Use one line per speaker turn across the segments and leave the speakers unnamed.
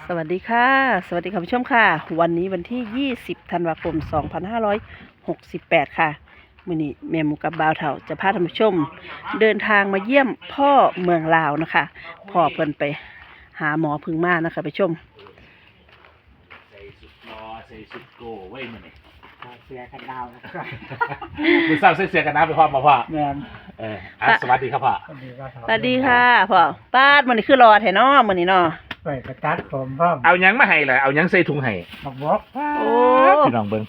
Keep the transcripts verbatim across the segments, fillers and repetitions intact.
สวัสดีค่ะสวัสดีคุณผู้ชมค่ะวันนี้วันที่ยี่สิบธันวาคมสองพันห้าร้อยหกสิบแปดค่ะมื้อนี้แม่หมูกับบ่าวเฒ่าจะพาท่านผู้ชมเดินทางมาเยี่ยมพ่อเมืองลาวนะคะพ่อเพิ่นไปหาหมอพึ่งมานะคะไปชม
ใส่สุดรอใส่สุดโกไว้มันนี่
เสียกันดาวนะครับ
มือเศร้าใส่เสียกันนะไปพ่อมาพ่อ
แม่น
เอออ่ะสวัสดีครับพ่อ
สวัสดีครับ
สวัสดีค่ะพ่อป้าดมื้อนี้คือรอแท้เนาะมื้อนี้เนาะ
เปิดกระตัดผมพ่อม
เอายังมาให้เลยเอายังใส่ถุงให้
บอกบอก
โอ้
พี่น้องเบิ้ง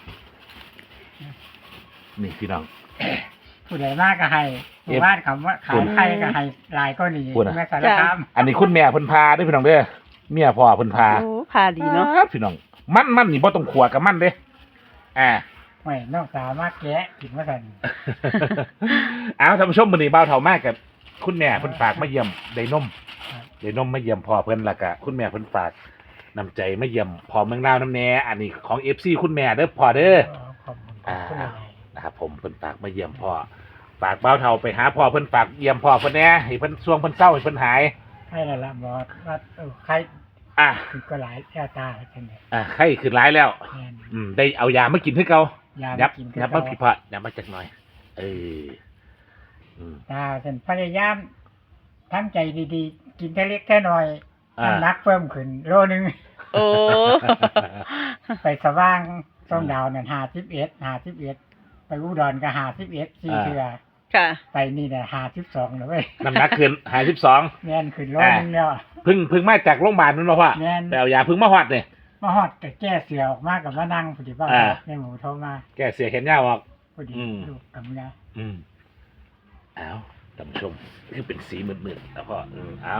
นี่พี่น้อง
ผู้ใดมากก็ให้ผู้บ้านคำว่าขายไข่ก็ให้ลายก็หนี
พูดนะ
แม่สารคาม
อันนี้คุณแม่เพิ่นพาเด้วยพี่น้องเด้อเมียพ่อเพิ่นพา
โอ้พาดีเนาะ
อ่พี่น้องมันมันนี่บ่ต้องขัวกับมันเด้อ่า
ไม่น้องสาวมากแกะกินว่าสัน
เอาท่านผู้ชมมื้อนี้บ่าวเฒ่ามากกับคุณแม่เพิ่นฝากมาเยี่ยมได้นมได้นมมาเยี่ยมพ่อเพิ่นแล้วก็คุณแม่เพิ่นฝากนำใจมาเยี่ยมพ่อเมืองลาวน้ำแน่อันนี้ของ เอฟ ซี คุณแม่เด้อพ่อเด้อ
ขอบคุณ
อ่า
คุณอะไร
นะครับผมเพิ่นฝากมาเยี่ยมพ่อฝากบ่าวเฒ่าไปหาพ่อเพิ่นฝากเยี่ยมพ่อเพิ่นแหน่ให้เพิ่นช่วงเพิ่นเศร้าให้เพิ่นหาย
ให้ละละบอสว่าเออใคร
อ่ะ
คือก็หลายแก้วตาใช่ไหม
อ่ะไข้ขึ้นร้ายแล้ว
แม่น
อืมได้เอายามากินให้เก่าย
า
ยับ
กิน
ยับมาผิดพลาดยับมาจักหน่อย เอออืม
ตาเป็นพยายามทำใจดีๆ กินแค่เล็กแค่น้อย
อ่า
น้ำหนักเพิ่มขึ้นโลนึง
โอ้
ไปสว่างช่องดาวนั่นหาสิบเอ็ดหาสิบเอ็ดไปอุดรก็หาสิบเอ็ดสี่เทือ
ค่ะ
ไปนี่เนี่ยหาสิบสองเลยเว้ย
น้ำหนักขึ้นหายสิบสอง
แม่นขึ้นร้อยนึงแล้ว
เพึ่งเพึ่งมาจากโรงพยาบาลนั่นมาพ่อ
แม่น
ไปเอายาเพึ่งมาฮอดเนี่ย
มาฮอดแต่แก้เสือออกมากับมานั่งพอดีว่า
อ่า
แม่หมูโทรมา
แกเสียแขนยาวออก
พอดี
อืม
ลูกกับเมีย
อืมเอาท่านผู้ชมคือเป็นสีมืดๆแล้วพ่ออืมเอา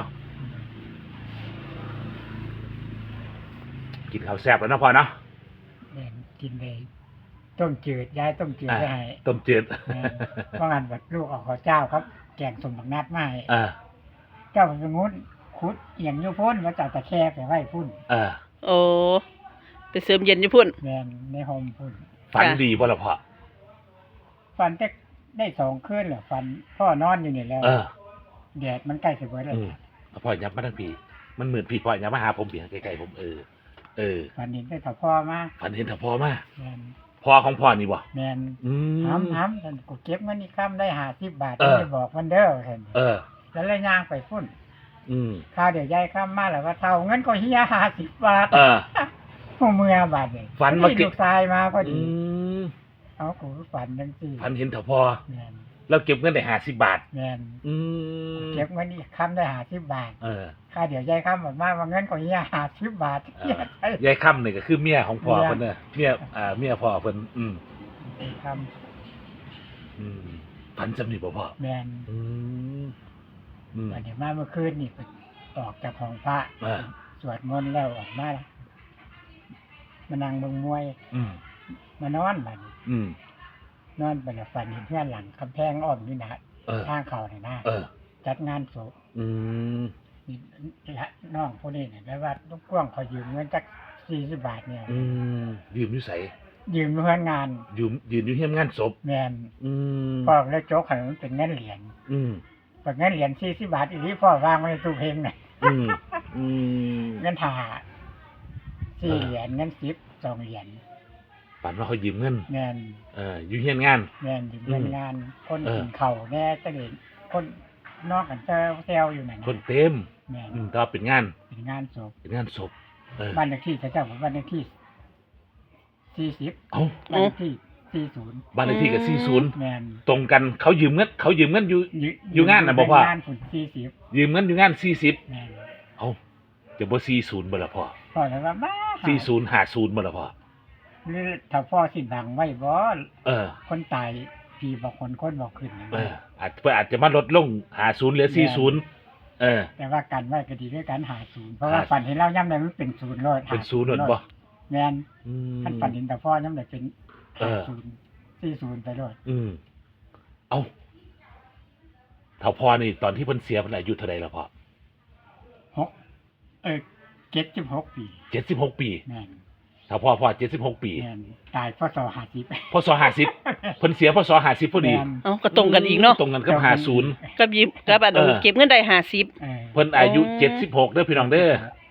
กินข้าวแซ่บแล้วเนาะพ่อเนาะ
แม่นกินเลยต้มจืดย้ายต้มจืด
อ่า
ไปให้
ต้มจืด
แม่นเพราะงานวัดลูกออกข้าวเจ้าครับ แกงสมบักนัดมาให้
อ่า
เจ้าสมุนขุดเอียงอยู่พ้นว่าจะเอาตะแคร่ไปไว้พุ่น
อ่า
โอ้ไปเสริมเย็นอยู่พุ่น
แม่นในโฮมพุ่น
ฝัน
ค่ะ
ดีพ่อละพ่อ
ฟันจะได้สองคืนเหรอฟันพ่อนอนอยู่นี่แล้ว
เออ
แดดมันใกล้จะเบิดแล้ว
อืมเอาพ่อยับมาทั้งปีมันเหมือนพี่พ่อยับมาหาผมเบียงไกลๆผมเออ เออ
ฟันเห็นได้แต่พ่อมา
ฝันเห็นแต่พ่อมา
แมน
พ่อของพ่อนี่บ่
แมน
อืม
ห้ำห้ำฉันกูเก็บเงินนี่ค้ำได้หาสิบบาท
เออ
ไม่ได้บอกมันเด้อเห็น
เออ
แล้วเลยย่างไปพุ่น
อืม
ข้าวเดี๋ยวย้ายค้ำมาแล้วว่าเท่าเงินก็เฮียหาสิบบาท
เออ
หัวเมือบาทเลย
ฝันว่า
ลูกชายมาพอ
อื
ดี
ม
เอากูฝันจังสี่
ฝันเห็นแต่พ่อ
แมน
แล้วเก็บเงินได้ห้าสิบบาท
แมน
อืม
เก็บเงินนี่ค้ำได้หาสิบบาท
เออ
ข้าวเดี๋ยวย้ายค้ำหมดมาว่าเงินก็เฮียหาสิบบาท
เออยายค่ำนี่ก็คือเมียของพ่อเพิ่นเด้อเมียอ่าเมียพ่อเพิ่นอืม
ค้
อืมฝันจำนี่บ่พ่อ
ำแมน
อืมอืม
วันนี้มาเมื่อคืนนี่ออกจากของพระ
อ่า
สวดมนต์แล้วออกมาแล้วมานั่งเบิ่งมวย
อืม
มานอนบัดนี้
อืม
นอนไปแล้วฝันเห็นเพื่อนหลังคำแพงอ้อมนี่นะ
เออ
ทางเขาเนี่ยนะ
เออ
จัดงานศพ
อืม
นี่ละน้องผู้นี้เนี่ยแปลว่าลูกกว้างขอยืมเงินจักสี่สิบบาทเนี่ย
อืมยืมอยู่ไส
ยืมเพื่อนงาน
ยืมยืนอยู่เฮียมงานศพ
แมน
อืม
พ่อแล้วโจ๊กให้มันเป็นเงินเหรียญ
อืม
เป็นเงินเหรียญสี่สิบบาทอีกที่พ่อวางไว้ในตู้เพลงน่ะ
อืมอืม
เงินถาสี่เหรียญเงินสิบสองเหรียญ
ฝันว่าเขายืมเงิน
แมน
เอออยู่เฮียนงาน
แม่นอยู่เรื่องงานคน
เออ
กินเข่าวแน่จะเห็นคนนอกกันเซลเซลอยู่นั่น
คน
น่ะ
เต็ม
แม่น
อืมแต่ว่าเป็นงาน
เป็นงานศพ
เป็นงานศพเออ
บ้านเลขที่เจ้าของบ้านเลขที่สี่สิบ
เอ้า
บ้านเลขที่สี่ศูนย์
บ้านเลขที่กับสี่ศูนย์
แม่น
ตรงกันเขายืมเงินเขายืมเงินอยู่ อยู่งานน่ะบอกว่า
งานฝุ่นสี่สิบ
ยืมเงินอยู่งานสี่สิบ
แม่น
เอ้าจะบ่สี่ศูนย์บ่ละพ่อ
พ่อเลยว่าบ้า
สี่ศูนย์ห้าศูนย์บ่ละพ่อ
หรือถ้าพ่อสิดังไว้บ่
เออ
คนตายพี่บอกคนคนบอกขึ้นนะ
เอออาจเพื่ออาจจะมาลดลงห้าศูนย์เหลือสี่ศูนย์เออ
แต่ว่ากันไว้ก็ดีด้วยกันหาศูนย์เพราะว่า
หา
ฝันเห็นเล่าย่ำใดมันเป็นศูนย์โลด
เป็นศูนย์โลดบ่
แม่น
อืม
ท่านฝันเห็นแต่พ่อย่ำใดเป็น
เออ
ศูนย์สี่ศูนย์ไปโลด
อืมเอ้าเท่าพ่อนี่ตอนที่เพิ่นเสียเพิ่นอายุเท่าใดแล้วพ่อ
หกเออเจ็ดสิบหกปี
เจ็ดสิบหกปี
แม่น
ถ้าพ่อพ่อเจ็ดสิบหกปี
แม่นตายพศห้าสิบ
พศห้าสิบเพิ่นเสียพศห้าสิบพอดี
แม่น
เอ้าก็ตรงกันอีกเนาะ
ตรงกันกับห้าศูนย์
กับยิบกับอัน
เออ
เก็บเงินได้ห้าสิบ
เออ
เพิ่นอายุ
อ๋อ
เจ็ดสิบหกเด้อพี่น้องเด้อ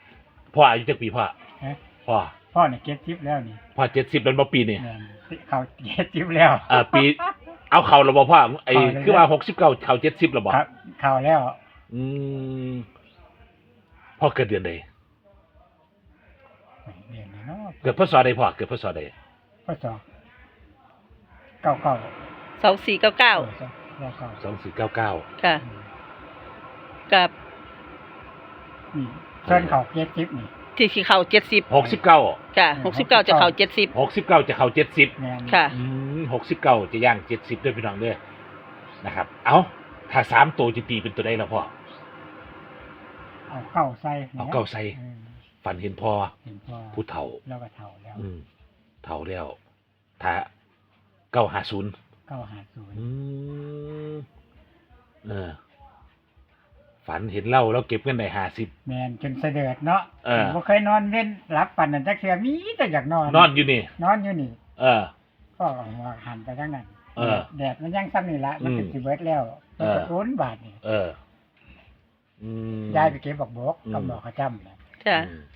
พ่ออายุจักปีพ่อ
ฮะ
พ่อ
พ่อเนี่ยเก็ตทิปแล้วนี่
พ่อเจ็ดสิบแล้วบ่ปีนี่
แม่นเขาเก็ตทิปแล้ว
เอ่อปีเอาเข่าแล้วบ่พ่อไอ้
เข้าเลย
คือว่าหกสิบเก้าเข่าเจ็ดสิบแล้วบ่
ครับเขาแล้ว
อืมพ่อเกิดเดือนใด
เดือนนี้เนาะ
เกิดพศใดพ่อเกิดพศใด
พศเก้าเก้า
สองสี่เก้าเก้า
เก้าเก้า
สองสี่เก้าเก้า
ค่ะ กับ
นี่ส่วนเขาเก็ตทิปนี่
ที่ที่เขาเจ็ดสิบ
หกสิบเก้า
ค่ะหกสิบเก้าจะเขาเจ็ดสิบ
หกสิบเก้าจะเข่าเจ็ดสิบ
แม่น
ค่ะ
อืมหกสิบเก้าจะย่างเจ็ดสิบด้วยพี่น้องเด้อนะครับ เอาถ้าสามตัวจะตีเป็นตัวใดแล้วพ่อ
เอาเก้าใส่
เอาเก้าใส่
เออ
ฝันเห็นพ่อ
เห็นพ่อ
ผู้เฒ่า
แล้วก็เฒ่าแล้ว
อืมเฒ่าแล้ว ถ้าเก้าห้าศูนย์
เก้าห้าศูนย์
อืมเออ ฝันเห็นเหล่าแล้วเก็บเงินได้ห้าสิบ
แมนจนเสด็จเนาะ
เออ
ผมบ่เคยนอนเว้นรับปันนั่นจักเทื่อมีแต่อยากนอน
นอนอยู่นี่
นอนอยู่นี่
เออ
ก็เอาหัวหันไปทางนั้น
เออ
แดดมันยังซ้ำนี่ละมันเป็น
อืม
สิเบิดแล้วมัน
เออ
จะโอนบาทนี่
เออ อืม
ยายไปเก็บบอกบก
อืม
กับบอกเขาจำนะ
จ้ะ
อืม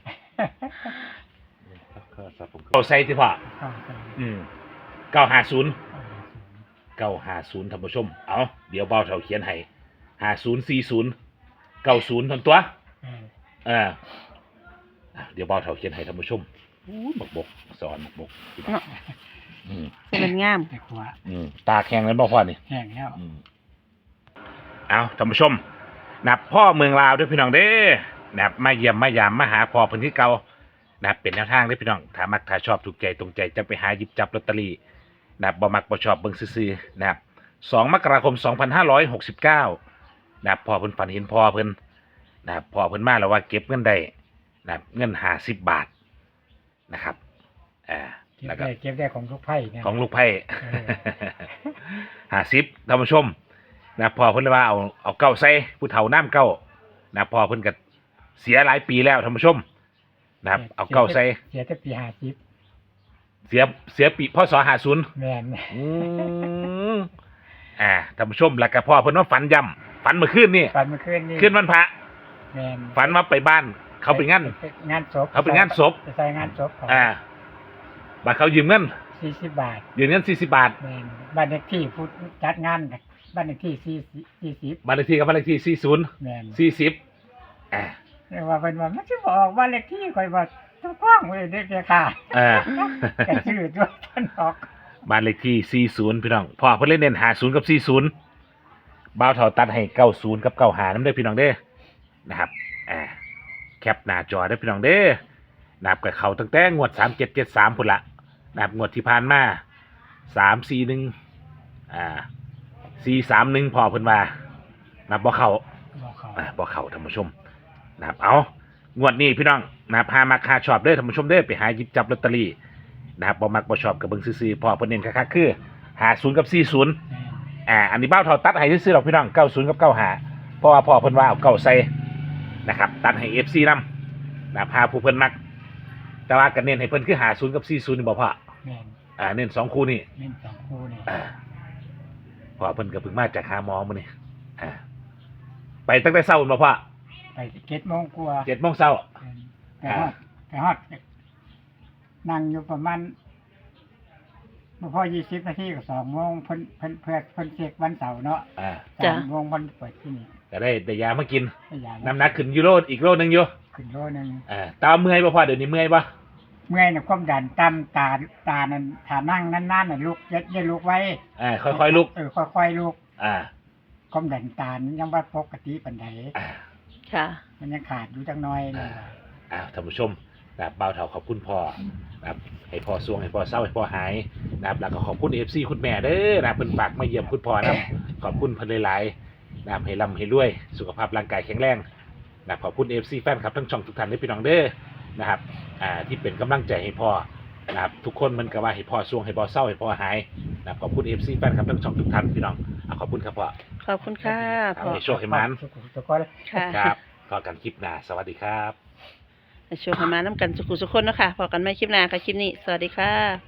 เก้าใส่ที่พ่อ
เข้าไป
อืมเก้าห้าศูนย์
เข้าไป
เก้าห้าศูนย์ท่านผู้ชม เอาเดี๋ยวเบาเท่าเขียนให้ห้าศูนย์สี่ศูนย์เก้าศูนย์ทันตัว
เออ
เอออ่ะเดี๋ยวเบาเท่าเขียนให้ท่านผู้ชมอู้บกบกสอนบกบก
เนาะ
อืม
จะเป็นงาม
แต่ขวา
อืมตาแข็งแล้วบ่พ่อนี่
แห้งแล้ว
อืมเอาท่านผู้ชม นับพ่อเมืองลาวด้วยพี่น้องเด้อนับมาเยี่ยมมายามมาหาพ่อเพื้นที่เก่านับเป็นแนวทางเด้อพี่น้องถ้ามักถ้าชอบถูกใจตรงใจจะไปหาหยิบจับลอตเตอรี่นับบ่มักบ่ชอบเบิ่งซื่อๆนับสองมกราคมสองพันห้าร้อยหกสิบเก้านับพ่อเพิ่นฝันเห็นพ่อเพิ่นนับพ่อเพิ่นมาแล้วว่าเก็บเงินได้นับเงินห้าสิบบาทนะครับอ่า
เก็บ
แล้วก็
ได้เก็บได้ของทุกไพ่เนี่ย
ของลูกไพ่
เออ
ห้าสิบท่านผู้ชมนะพอเพิ่นเลยว่าเอาเอาเก้าใส่ผู้เฒ่าน้ำเก้านะพอเพิ่นก็เสียหลายปีแล้วท่านผู้ชมนะครับเอาเก้าใส่
เสียแต่ปีห้าสิบ
เสียเสียปีพศห้าศูนย์
แมน
อืมอ่าท่านผู้ชมแล้วก็พ่อเพิ่นว่าฝันย่ำฝันเมื่อคืนนี่
ฝันเมื่อคืนนี่
คืนวันพระ
แมน
ฝันว่าไปบ้าน เขาไปงาน
ไปงานศพ
เขาไปงานศพ
ไปใส่งานศพของ
อ่าบัดเขายืมเงิน
สี่สิบบาท
ยืมเงินสี่สิบบาท
แมนบ้านเลขที่พูดจัดงานกันบ้านเลขที่สี่สี่สิบ
บ้านเลขที่กับบ้านเลขที่สี่ศูนย์
แมน
สี่สิบอ่า
เรียกว่าเป็นว่าไม่ใช่บอกบ้านเลขที่คอยว่าทุกข้องเลยเด็กเด็กค่ะ
อ่า
กระชื่อด้วยท่านออก
บ้านเลขที่สี่สิบพี่น้องพ่อเพิ่นเล่นเน้นหาศูนย์กับสี่สิบบ่าวเฒ่าตัดให้เก้าสิบกับเก้าห้านํเด้อพี่น้องเด้อนะครับอ่าแคปหน้าจอเด้อพี่น้องเด้อนะครับกับเขาตั้งแต่งวดสามเจ็ดเจ็ดสามพุ่นละนะครับงวดที่ผ่านมาสามสี่หนึ่งอ่าสี่สามหนึ่งพอเพิ่นว่านับบ่เข้า
บอกเขา
อ่าบ่เข้าท่านผู้ชมนะครับเอางวดนี้พี่น้องนะครับพามาคาชอบเด้อท่านผู้ชมเด้อไปหาหยิบจับลอตเตอรี่นะครับบ่มักบ่ชอบกับเบิ่งซื่อๆพอเพิ่นเน้นคักๆคือหาศูนย์กับสี่สิบ
แม่น
อ่า อันนี้เบ้าเท่าตัดให้ซื้อๆหรอกพี่น้องเก้าศูนย์กับเก้าห้าเพราะว่าพ่อเพิ่นว่าเอาเก้าใส่นะครับ ตัดให้ เอฟ ซี นำนะพาผู้เพิ่นมัก แต่ว่าก็เน้นให้เพิ่นคือหาศูนย์กับสี่ศูนย์นี่บ่พ่อ
แม่น
อ่า เน้นสองคู่นี่
เล่นสองคู่นี่
อ่าพ่อเพิ่นก็เพิ่งมาจากหาหมอมื้อนี้อ่า ไปตั้งแต่เช้าพุ่นบ่พ่อ
ไปเก็ตโมงกว่า
เจ็ดโมงเช้า
ไปฮอดไปฮอดนั่งอยู่ประมาณบ่พอยี่สิบนาทีก็สองโมงเพิ่นเพิ่นเพื่อเพิ่นเช็ควันเสาร์เนาะ
อ่า
สามโมงวันเปิดที่นี่
ก็ได้ได้ยามากิน
ไปอย่าง
น้ำหนักขึ้นยูโรอีกโลนึงอยู่
ขึ้นโลนึง
อ่าตาเมื่อยบ่พ่อเดี๋ยวนี้เมื่อยบ่
เมื่อยน่ะความดันต่ำตาตานั่นถ้านั่งนานๆน่ะลุกอย่าอย่าลุกไว้
อ่า ค่อยๆลุก
เออค่อยๆลุก
อ่า
ความดันตามันยังบ่ปกติปานใด
อ่า
ค่ะ
มันยังขาดอยู่จังน้อยเลย
อ่าท่านผู้ชมนะครับบ่าวเฒ่าขอบคุณพ่อนะครับให้พ่อสวงให้พ่อเศร้าให้พ่อหายนะครับแล้วก็ขอบคุณ เอฟ ซี คุณแม่เด้อนะครับเพิ่นฝากมาเยี่ยมคุณพ่อนะครับขอบคุณเพิ่นหลายๆนะครับให้ร่ำให้รวยสุขภาพร่างกายแข็งแรงนะครับขอบคุณ เอฟ ซี แฟนคลับทั้งช่องทุกท่านเด้อพี่น้องเด้อนะครับอ่าที่เป็นกำลังใจให้พ่อนะครับทุกคนมันก็ว่าให้พ่อสวงให้พ่อเศร้าให้พ่อหายนะครับขอบคุณ เอฟ ซี แฟนคลับทั้งช่องทุกท่านพี่น้องอ่ะขอบคุณครับพ่อ
ขอบคุณค่ะพ่อ
ให้โชคให้มัน
ทุกคน
ค่ะ
ครับพอกันคลิปหน้าสวัสดีครับ
ให้โชคให้มาน้ำกันสุขุสุขคนเนาะค่ะพอกันไม่คลิปหน้าค่ะคลิปนี้ สวัสดีค่ะ